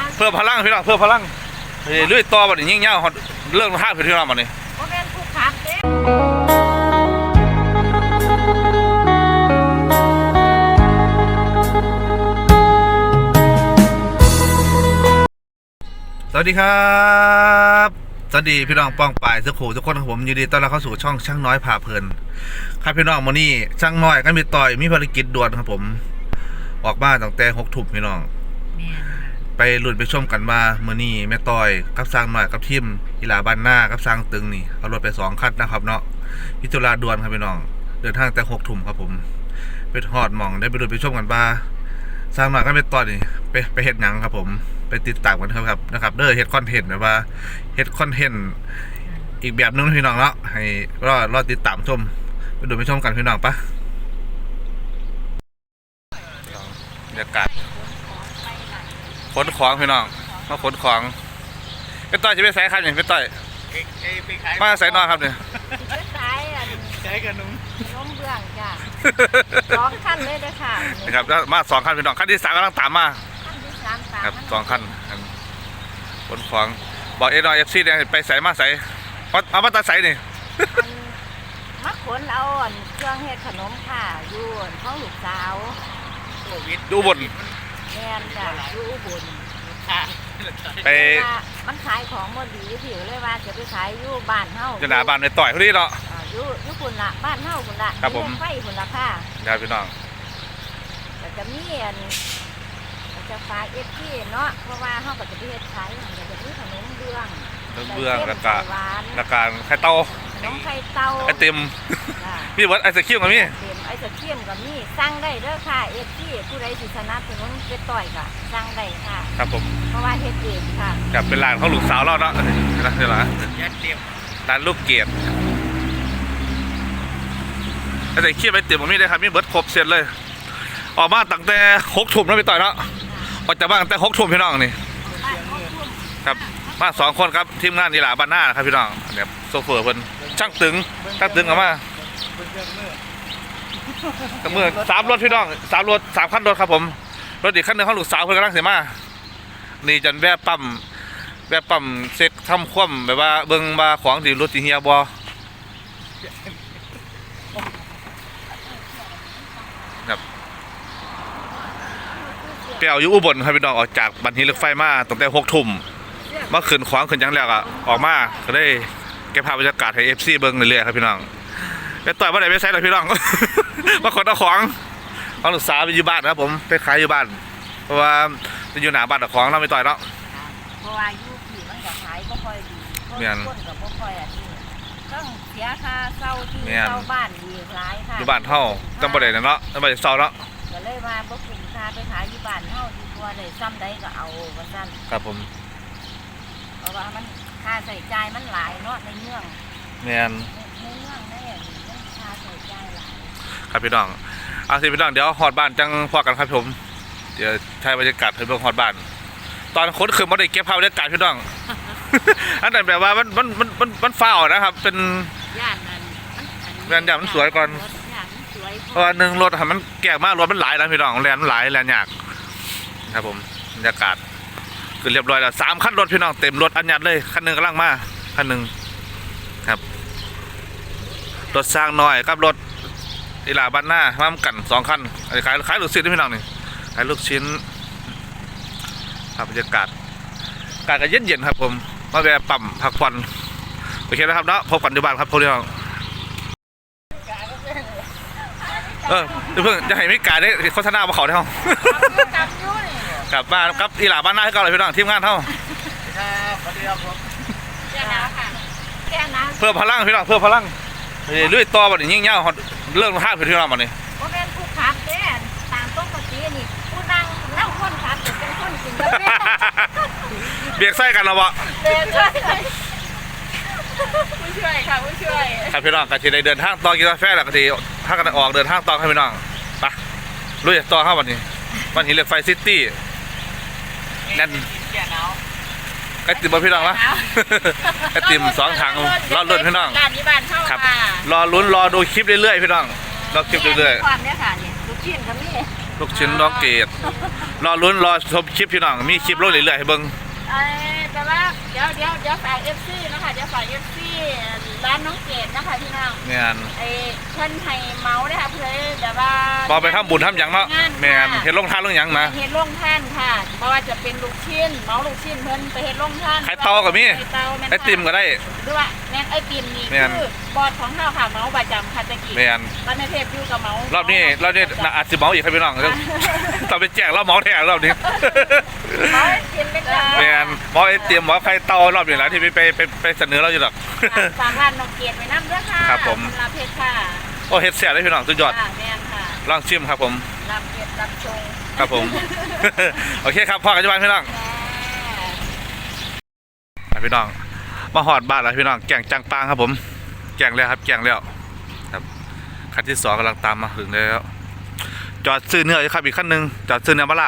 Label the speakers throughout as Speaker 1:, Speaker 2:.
Speaker 1: เพิ่มพลังพี่น้องเพิ่มพลังเรื่อยต่อบัดนี้ยิ่งเงาเรื่องท่าพี่น้องบัดนี้
Speaker 2: โอเคผู้ขับเด้
Speaker 1: สวัสดีครับสวัสดีพี่น้องป้องปายสุขุทุกคนครับผมยินดีต้อนรับเข้าสู่ช่องช่างน้อยพาเพลินครับพี่น้องวันนี้ช่างน้อยก็มีต่อยมีภารกิจด่วนครับผมออกบ้านตั้งแต่6 ทุ่มพี่น้องไปลุ้นไปชมกันว่ามื้อนี้แม่ต่อยกับสร้างน้อยกับทีมกีฬาบ้านหน้ากับสร้างตึงนี่เอารถไป2 คันนะครับเนาะพิจารณาด่วนครับพี่น้องเดินทางแต่6 ทุ่มครับผมไปฮอดหม่องได้ไปลุ้นไปชมกันว่าสร้างน้อยก็แม่ต่อยนี่ไปเฮ็ดหยังครับผมไปติดตามกันครับนะครับเด้อเฮ็ดคอนเทนต์แบบว่าเฮ็ดคอนเทนต์อีกแบบนึงพี่น้องเนาะให้รอติดตามชมไปดูไปชมกันพี่น้องปะบรรยากาศขนของพี่น้องมาขนของเป็นต้อยจะไปใส่ครับเนี่ยเป็นต้อยมาใส่นอนครับเนี่ย
Speaker 2: ไปขาย
Speaker 3: ใช้ขนม
Speaker 2: เบื้องจ้ะ2 ขั้นเลยเด้อค่ะ
Speaker 1: นะครับมา2 คันพี่น้องคันที่3กำลังตามมาครับ2 คันขนของบอกFC เนี่ยไปใส่มาใส่เอามาตัดใส่นี่
Speaker 2: มาขนเอาเครื่องเฮ็ดขนมค่ะอยู่ของลูกสาว
Speaker 1: ดูบน
Speaker 2: แม่นจ้ะอยู่อุบล
Speaker 1: ไป
Speaker 2: มันขายของบ่ดีพี่เลยว่าจะไปขายอยู่บ้านเฮา
Speaker 1: จะหน้าบ้านในต่อยพอดีเนาะ
Speaker 2: อยู่พุ่นล่ะบ้านเฮาพุ่นล่ะ
Speaker 1: ครับผม
Speaker 2: ไฟพุ่นล่ะค่ะ
Speaker 1: ครับพี่น้อง
Speaker 2: แต่จะมีจะฝากFCเนาะเพราะว่าเฮาก็จะไปเฮ็ดขายจะมีขนมเบื้อง
Speaker 1: แล้วก็ไข่เต้า
Speaker 2: ขนมไข่เต้า
Speaker 1: ไอติมพี่วัดไอศครีมกับมี่
Speaker 2: ไอศครีมกับมี่สั่งได้เด้อค่ะFCผู้ใดสิสนับสนุนไปต่อยก็สั่งได้ค่ะ
Speaker 1: ครับผม
Speaker 2: เพราะว่าเฮ็ดเองค่ะ
Speaker 1: กับเป็นร้านของลูกสาวเราเนาะนะนี่ล่ะร้านลูกเกดไอศครีมไอติมกับมี่ได้ครับมีเบิร์ดครบเสร็จเลยออกมาตั้งแต่6 ทุ่มแล้วไปต่อยเนาะออกจากบ้านตั้งแต่6 ทุ่มพี่น้องนี่ครับมา2 คนครับทีมงานนี่แหละบ้านหน้าครับพี่น้องเนี่ยโซเฟอร์เพิ่นช่างตึงเอามากับมือ3 รถพี่น้อง3 รถ3 คันรถครับผมรถอีกคันนึงของลูกสาวเพิ่นกำลังเสียมานี่จันแวะปั๊มเซ็กทำคว่ำแบบว่าเบิ่งมาของที่รถที่เฮียบ่ครับเปียวอยู่อุบลครับพี่น้องออกจากบันทีรถไฟมาตั้งแต่6 ทุ่มมาขึ้นขวางขึ้นยังแล้วอ่ะออกมาก็ได้เก็บภาพบรรยากาศให้ FC เบิ่งเรื่อยๆครับพี่น้องไปต่อยว่าไหนไปใส่เลยพี่น้องมาขนเอาของลูกสาวไปอยู่บ้านครับผมไปขายอยู่บ้านเพราะว่าจะอยู่หน้าบ้านแต่ของเราไม่ต่อยเนาะ
Speaker 2: เพราะว่าอยู่ที่มันก็ขายบ่ค่อยดีคนก็บ่ค่อยต้องเสียค่าเช่าที่เช่าบ้านอีกหลายค่ะ
Speaker 1: อยู่บ้านเฮาจำบ่ได้เนาะจำบ่ได้เช่าเนาะ
Speaker 2: ก็เลยว่าบ่คุ้มค่าไปขายอยู่บ้านเฮาดีกว่าได้ซ้ำใดก็เอาว่าซั่น
Speaker 1: ครับผม
Speaker 2: เพราะว่ามันค่าใช้จ่ายมันหลายเนาะในเมือง
Speaker 1: แม่น
Speaker 2: ในเมืองได้มันค่าใช้จ่ายหลาย
Speaker 1: ครับพี่น้องเอาสิพี่น้องเดี๋ยวฮอดบ้านจังพอกันครับผมเดี๋ยวใช้บรรยากาศให้เบิ่งฮอดบ้านตอนคนขึ้นบ่ได้เก็บภาพบรรยากาศพี่น้องอันนั้นแบบว่ามันฟ้าวนะครับเป็น
Speaker 2: ย่านนั้น
Speaker 1: มันสวยก่อนเพราะว่า1 รถมันแก่มากรถมันหลายนะพี่น้องแลนหลายแลนยากครับผมบรรยากาศคือเรียบร้อยแล้ว3 คันรถพี่น้องเต็มรถอันยัดเลยคันนึงกำลังมาคันนึงครับรถสร้างน้อยกับรถอีหลาบ้านหน้ามากัน2 คันขายลูกชิ้นพี่น้องนี่ขายลูกชิ้นบรรยากาศก็เย็นๆครับผมมาแวะปั๊มพักผ่อนโอเคนะครับเนาะพบกันที่บ้านครับพวกเราเพิ่งจะให้มิกาได้โฆษณามาเขาได้ห้องกลับบ้านกับอีหลาบ้านหน้าให้เก่าเลยพี่น้องทีมงานเท่าเพิ่มพลังพี่น้องเพิ่มพลังเรื่อยต่อบัดนี้ยิ่งเงาเรื่องท่าพี่น้องบัดนี้
Speaker 2: ก็เป็นผู้ขับเด้ตามปกตินี่ผู้นั่งคนขับเป็นคนกินกาแฟ
Speaker 1: เบียกไส้กันหรอวะ
Speaker 2: เบียกไส้
Speaker 3: ผู้ช่วยค่ะผู้ช่วย
Speaker 1: ครับพี่น้องกะทีได้เดินทางต่อกินกาแฟแล้วกะทีถ้ากันออกเดินทางต่อให้พี่น้องไปลุยต่อครับวันนี้วันหินเหล็กไฟซิตี้นั่นไอติมบ่พี่น้องละไอติม2 ถังรอลุ้นพี่น้องครับรอลุ้นรอดูคลิปเรื่อยๆพี่น้องรอคลิปเรื่อย
Speaker 2: ๆความเนี้ยค่ะเนี่ยลูกชิ้นก็มี
Speaker 1: ลูกชิ้นน้องเกดรอลุ้นรอชมคลิปพี่น้องมีคลิปลงเรื่อยๆให้เบิ่ง
Speaker 2: แต่ว่าเดี๋ยวฝากFCนะคะเดี๋ยวฝาก FC ร้านน้องเกดนะคะพี่น้อง
Speaker 1: แม่น
Speaker 2: เพิ่นให้เมาได้ค่ะเพื่อแบบว่า
Speaker 1: พอไปทำบุญทำหยังเนาะแม่นเฮ็ดลงทานลงหยังมา
Speaker 2: เฮ็ดโรงท่านค่ะเพราะว่าจะเป็นลูกชิ้นเมาลูกชิ้นเพิ่นไปเฮ็ดโรงท่าน
Speaker 1: ไข่เตาก็มี
Speaker 2: ไข่เตาแม่น
Speaker 1: ไอติมก็ได้
Speaker 2: หรือว่าแม่นไอติมนี่
Speaker 1: แม่น
Speaker 2: คือบอดของเฮาค่ะเมาประจำค่ะตะกี้
Speaker 1: แม่น
Speaker 2: บ้านในเทพอยู่กับเมาร
Speaker 1: อบนี้อาจสิเมาอีกครับพี่น้องต้องไปแจกแล้วเมาแท้รอบนี้
Speaker 2: เมาไอติมเป็นจ้า
Speaker 1: แม่นเมาไอติมเมาไข่เตารอบนี้แหละที่ไปเสนอเราอยู่ดอก
Speaker 2: ฝากร้านน้องเกดไว้นำด้วยค่ะ
Speaker 1: ครับผม
Speaker 2: ลาเพชรค่ะ
Speaker 1: โอ้เฮ็ดแซ่บเลยพี่น้องสุดยอด
Speaker 2: ค่ะแม่นค่ะ
Speaker 1: ลองชิมครับผม
Speaker 2: ลาเพชรรับชง
Speaker 1: ครับผม โอเคครับพ่อกันจังหวัดพี่น้อง พี่น้องมาหอดบ้านแล้วพี่น้องแก่งจังปางครับผมแก่งแล้วครับแก่งแล้วครับคันที่2กำลังตามมาถึงแล้วจอดซื้อเนื้ออยู่ครับอีกขั้นหนึ่งจอดซื้อเนื้อมาลาบ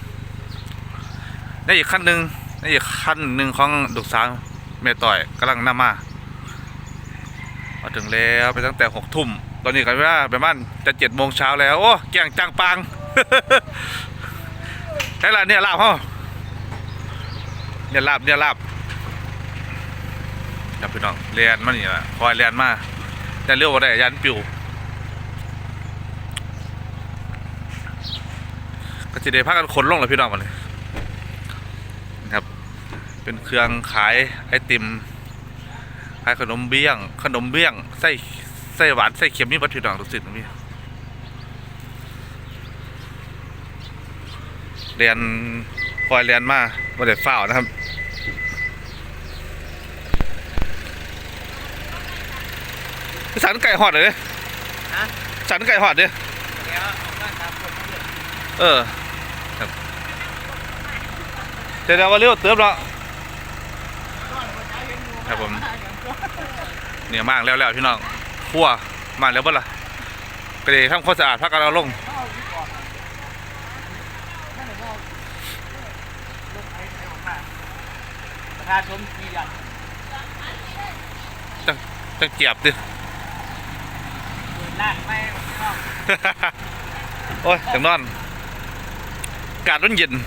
Speaker 1: นี่อีกขั้นหนึ่งนี่อีกขั้นหนึ่งของดุกสาวเมต่อยกำลังนำมาถึงแล้วไปตั้งแต่6 ทุ่มตอนนี้กันว่าประมาณจะ7 โมงเช้าแล้วโอ้แก่งจังปาง ได้ละเนี่ยลาบเขาเนี่ยลาบครับพี่น้องเรียนมานี่แหละคอยเรียนมาแต่เรื่องว่าได้ยันปิวก็จะได้พากันขนลงเลยพี่น้องมาเลยนะครับเป็นเครื่องขายไอติมขายขนมเบี้ยงไส้หวานไส้เค็มนี่บัดพี่น้องทุกสิ่งตรงนี้เรียนคอยเรียนมาว่าได้ฝ้าวนะครับสันไก่หอดเลย
Speaker 3: ฮะ
Speaker 1: สันไก่หอดดิ
Speaker 3: เดี๋ยวออกมาตามคนเยอะ
Speaker 1: ครับเดี๋ยวว่าเร็วเติมแล้วครับผมเนี่ยมากแล้วพี่น้องคั่วมากแล้วบ่ล่ะก็เลยทำความสะอาดพักกันเอาลง
Speaker 3: ประชาชนกี่อย่าง
Speaker 1: จังเกียบดิ
Speaker 3: ร้านไม่ชอบ
Speaker 1: โอ้ยจังนอนอากาศเย็น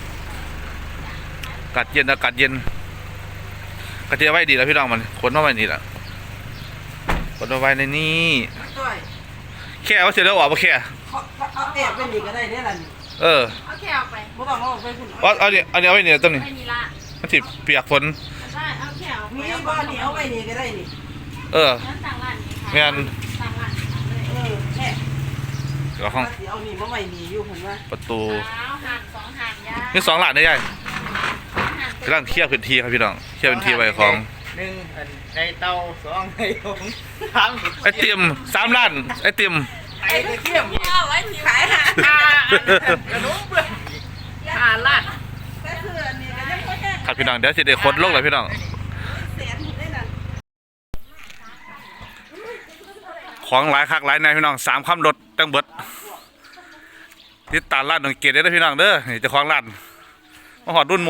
Speaker 1: อากาศเย็นกระเทียมไว้ดีแล้วพี่น้องมันขนมาไว้นี่แหละขนมาไว้ในนี่แค่ว่าเสร็จแล้วออกมาแค่
Speaker 4: เอาแอบไปนี่ก็ได้เนี่ยล่ะนี่
Speaker 2: เอาแค่เอาไป
Speaker 4: บ่ต้องเอาไปคุณ
Speaker 1: เอาเนี่ยเอาไว้เนี่ยต้นนี้
Speaker 2: ไม่มีละ
Speaker 1: มันสิเปียกฝน
Speaker 2: ใช่เอาแค่เอาไป
Speaker 4: มีบ้านนี่เอาไปนี่ก็ได้นี่
Speaker 2: งั้นสั่งร้านนี้ค่ะ
Speaker 1: แม่น
Speaker 2: สั่งร้านนี้เลย
Speaker 4: แค่
Speaker 1: เดี๋ยวห้อง
Speaker 4: สิเอานี่มาไว้นี่อยู่ผมว่า
Speaker 1: ประตู
Speaker 2: เอาหั่น2หั่นย่า
Speaker 1: นี่2 หลานได้ใหญ่
Speaker 2: หั่น
Speaker 1: กำลังเคลียร์พื้นที่ครับพี่น้องเคลียร์พื้นที่ไว้ของ
Speaker 3: 1ในเตา2ในหง3
Speaker 1: ไอติม3 ล้านไอติม
Speaker 3: ไอ้เขี้ยม
Speaker 2: เอาไว้ที่ขาย
Speaker 3: กระนุ่มเบื่อ
Speaker 2: 5ล้าน
Speaker 4: แต่คืออันนี้ก็ยังบ่แค่
Speaker 1: ครับพี่น้องเดี๋ยวสิได้ขนลงเลยพี่น้อง
Speaker 4: แสนหมดได้นั่น
Speaker 1: ของหลายคักหลายในพี่น้อง3 ค่ำรถตั้งเบิดติดตามร้านน้องเกดได้เด้อพี่น้องเด้อนี่เจ้าของร้านมาหอดรุ่นหมู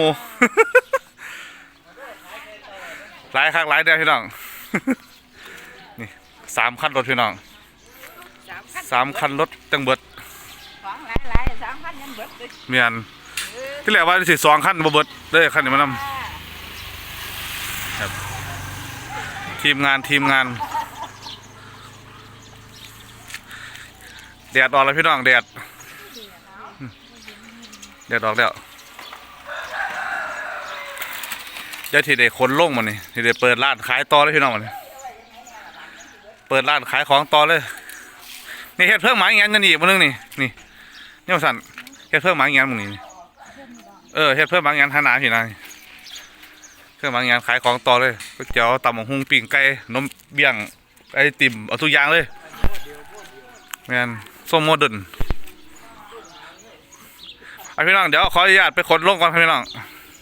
Speaker 1: หลายคักหลายเด้อพี่น้อง นี่3 คันรถพี่น้อง3 คันรถตั้งเบิด
Speaker 2: ของหลายๆ3,000ยังเบิดเลย
Speaker 1: เมียนที่แรกว่าสิ2 คันบ่เบิดเด้อคันนี้มานำครับทีมงานแดดออกแล้วพี่น้องแดดออกแล้วเดี๋ยวทีเด็กคนลงมานี่ทีเด็กเปิดร้านขายต่อเลยพี่น้องมานี่เปิดร้านขายของต่อเลยนี่เฮ็ดเพิ่มหมาอย่างนั้นนี่มื้อนึงนี่เนี่ยสั่นเฮ็ดเพิ่มหมาอย่างนั้นมื้อนี้เฮ็ดเพิ่มหมาอย่างนั้นหาหนาพี่นายเพิ่มหมาอย่างนั้นขายของต่อเลยก๋วยเตี๋ยวตำบักหุ่งปิ้งไก่นมเบี้ยงไอติมเอาทุกอย่างเลยแม่นส้มโมเดิร์นพี่น้องเดี๋ยวขออนุญาตไปขนลงก่อนครับพี่น้อง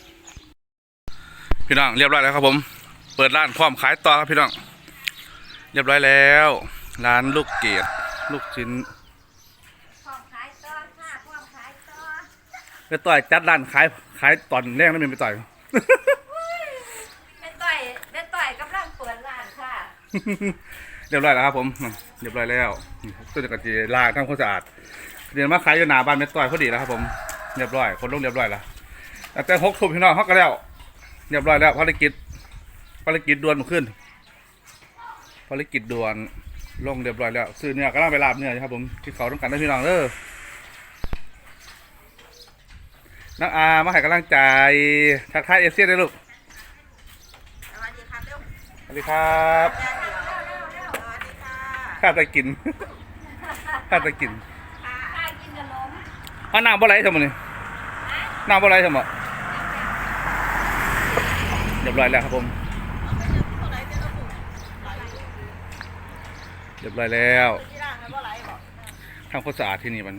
Speaker 1: เรียบร้อยแล้วครับผมเปิดร้านพร้อมขายต่อครับพี่น้องเรียบร้อยแล้วร้านลูกเกดลูกชิ้น
Speaker 2: ของขายต่อค่ะของขายต่อ
Speaker 1: ไปต่อยจัดร้านขายตอนแรกนั่นเป็นไปต่อย
Speaker 2: แม่ต่อยกำลังเปิดร้านค่ะ
Speaker 1: เรียบร้อยแล้วครับผมเรียบร้อยแล้วตัวจะกระจีล้างทำความสะอาดเดี๋ยวมาขายอยู่หน้าบ้านแม่ต้อยพอดีแล้วครับผมเรียบร้อยคนลงเรียบร้อยแล้วแต่6 ทุ่มพี่น้องเขาก็แล้วเรียบร้อยแล้วภารกิจด่วนขึ้นภารกิจด่วนลงเรียบร้อยแล้วซื้อเนื้อกำลังไปลาบเนื้อครับผมที่เขาต้องการได้พี่น้องเด้อน้องอามาให้กำลังใจทักทายเอเชียได้ลูก
Speaker 4: สวัสดีครับเร็ว
Speaker 1: สวัสดีครับ
Speaker 4: สวัสดีค่ะ
Speaker 1: ข้าตะกินข้าตะกิน
Speaker 2: ข้ากินขนม
Speaker 1: น้ำบ่ไหลทำไมนี่น้ำบ่ไหลทำไมเรียบร้อยแล้วครับผมเรียบร้อยแล้วทำความสะอาดที่นี่มัน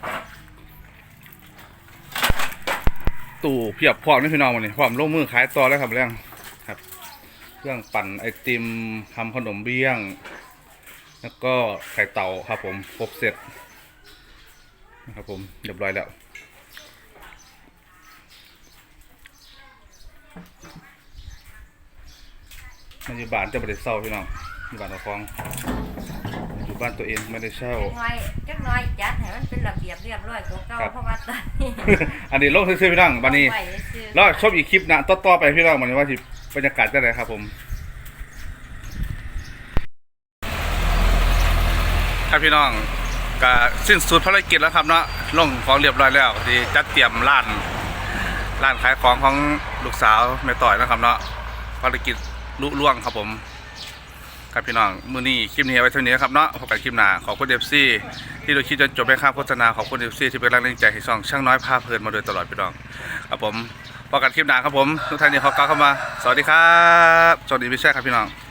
Speaker 1: ตู้เพียบพร้อมนี่พี่น้องมันนี่พร้อมลงมือขายต่อแล้วครับเรื่องครับเครื่องปั่นไอติมทำขนมเบี้ยงแล้วก็ไข่เต่าครับผมครบเสร็จนะครับผมเรียบร้อยแล้วมันอยู่บ้านจะไม่ได้เช่าพี่น้องอยู่บ้านเราคลองอยู่บ้านตัวเองไม่ได้เช่า
Speaker 2: จักหน้อยจัดให้มันเป็นระเบียบเรียบร้อยกว่าเก่า
Speaker 1: ครับ
Speaker 2: เพราะว่าตอนนี้
Speaker 1: อันนี้ลงซื้อๆพี่น้องบันนี้
Speaker 2: ไว้ซื้อ
Speaker 1: แล้วชมอีกคลิปนะต่อๆไปพี่น้องมันว่าที่บรรยากาศจะไหนครับผมครับพี่น้องก็สิ้นสุดภารกิจแล้วครับเนาะลงของเรียบร้อยแล้วที่จัดเตรียมร้านขายของของลูกสาวแม่ต่อยนะครับเนาะภารกิจลุล่วงครับผมครับพี่น้องมื้อนี้คลิปนี้เอาไว้เท่านี้ครับเนาะพบกันคลิปหน้าขอบคุณFCที่ดูคลิปจนจบไปข้ามโฆษณาขอบคุณ FC ที่เป็นแรงใจให้ช่องช่างน้อยพาเพลินมาโดยตลอดพี่น้องครับผมพบกันคลิปหน้าครับผมทุกท่านที่เขาก้าวเข้ามาสวัสดีครับสวัสดีพี่แช่ครับพี่น้อง